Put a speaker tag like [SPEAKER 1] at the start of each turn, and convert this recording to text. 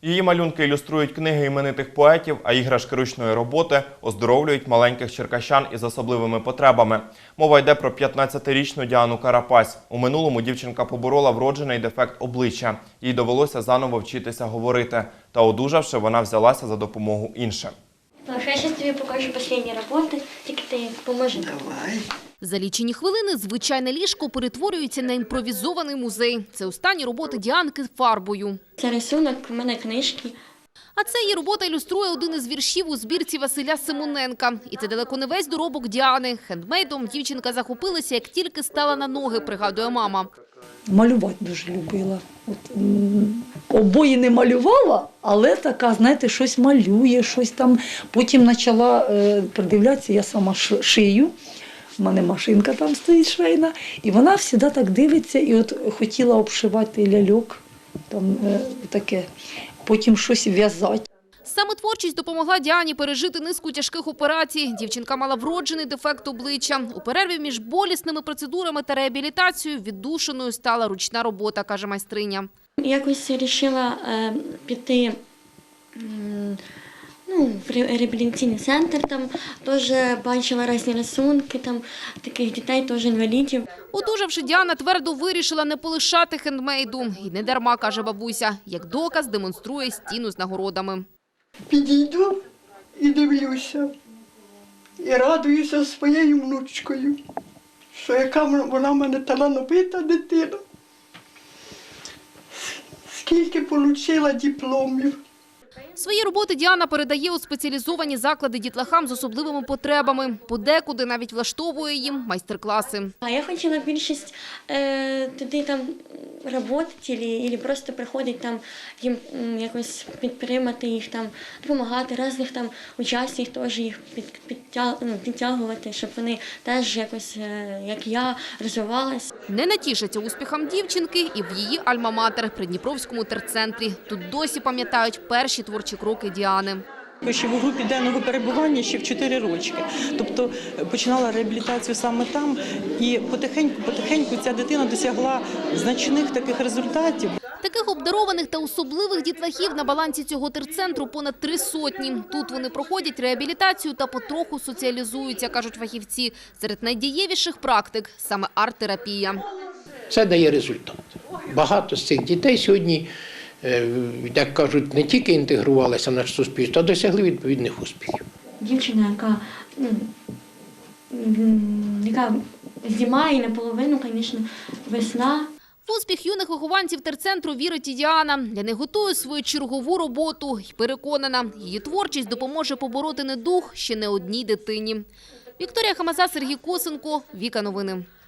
[SPEAKER 1] Її малюнки ілюструють книги іменитих поетів, а іграшки ручної роботи оздоровлюють маленьких черкащан із особливими потребами. Мова йде про 15-річну Діану Карапась. У минулому дівчинка поборола вроджений дефект обличчя. Їй довелося заново вчитися говорити. Та одужавши, вона взялася за допомогу іншим.
[SPEAKER 2] Я зараз тобі покажу останні роботи, тільки ти поможи.
[SPEAKER 3] Давай.
[SPEAKER 4] За лічені хвилини звичайне ліжко перетворюється на імпровізований музей. Це останні роботи Діанки фарбою.
[SPEAKER 2] Це рисунок, у мене книжки.
[SPEAKER 4] А це її робота ілюструє один із віршів у збірці Василя Симоненка. І це далеко не весь доробок Діани. Хендмейдом дівчинка захопилася, як тільки стала на ноги, пригадує мама.
[SPEAKER 3] Малювати дуже любила. Обої не малювала, але така, знаєте, щось малює, щось там. Потім почала придивлятися, я сама шию. У мене машинка там стоїть швейна. І вона завжди так дивиться і от хотіла обшивати ляльок, там таке, потім щось в'язати.
[SPEAKER 4] Саме творчість допомогла Діані пережити низку тяжких операцій. Дівчинка мала вроджений дефект обличчя. У перерві між болісними процедурами та реабілітацією віддушиною стала ручна робота, каже майстриня.
[SPEAKER 2] Якось вирішила піти в реабілітаційний центр, там теж бачила різні рисунки, там таких дітей, теж інвалідів.
[SPEAKER 4] Одужавши, Діана твердо вирішила не полишати хендмейду. І не дарма, каже бабуся, як доказ демонструє стіну з нагородами.
[SPEAKER 5] Підійду і дивлюся, і радуюся своєю внучкою, що яка вона в мене талановита дитина, скільки отримала дипломів.
[SPEAKER 4] Свої роботи Діана передає у спеціалізовані заклади дітлахам з особливими потребами. Подекуди навіть влаштовує їм майстер-класи.
[SPEAKER 2] А я хотіла більшість туди там працювати, або просто приходити там їм якось підтримати їх, там допомагати, різних там учасників теж їх підтягувати, щоб вони теж якось, як я, розвивалися.
[SPEAKER 4] Не натішаться успіхам дівчинки і в її альма-матер – Придніпровському терцентрі. Тут досі пам'ятають перші творчі кроки Діани.
[SPEAKER 6] Ще в групі денного перебування ще в 4 рочки. Тобто починала реабілітацію саме там, і потихеньку ця дитина досягла значних таких результатів.
[SPEAKER 4] Таких обдарованих та особливих дітлахів на балансі цього терцентру понад 300. Тут вони проходять реабілітацію та потроху соціалізуються, кажуть фахівці. Серед найдієвіших практик – саме арт-терапія.
[SPEAKER 7] Це дає результат. Багато з цих дітей сьогодні, як кажуть, не тільки інтегрувалися в наше суспільство, а досягли відповідних успіхів.
[SPEAKER 2] Дівчина, яка зима і наполовину, звісно, весна.
[SPEAKER 4] В успіх юних вихованців терцентру вірить і Діана. Для них готує свою чергову роботу і переконана, її творчість допоможе побороти недуг ще не одній дитині. Вікторія Хамаза, Сергій Косенко, Віка Новини.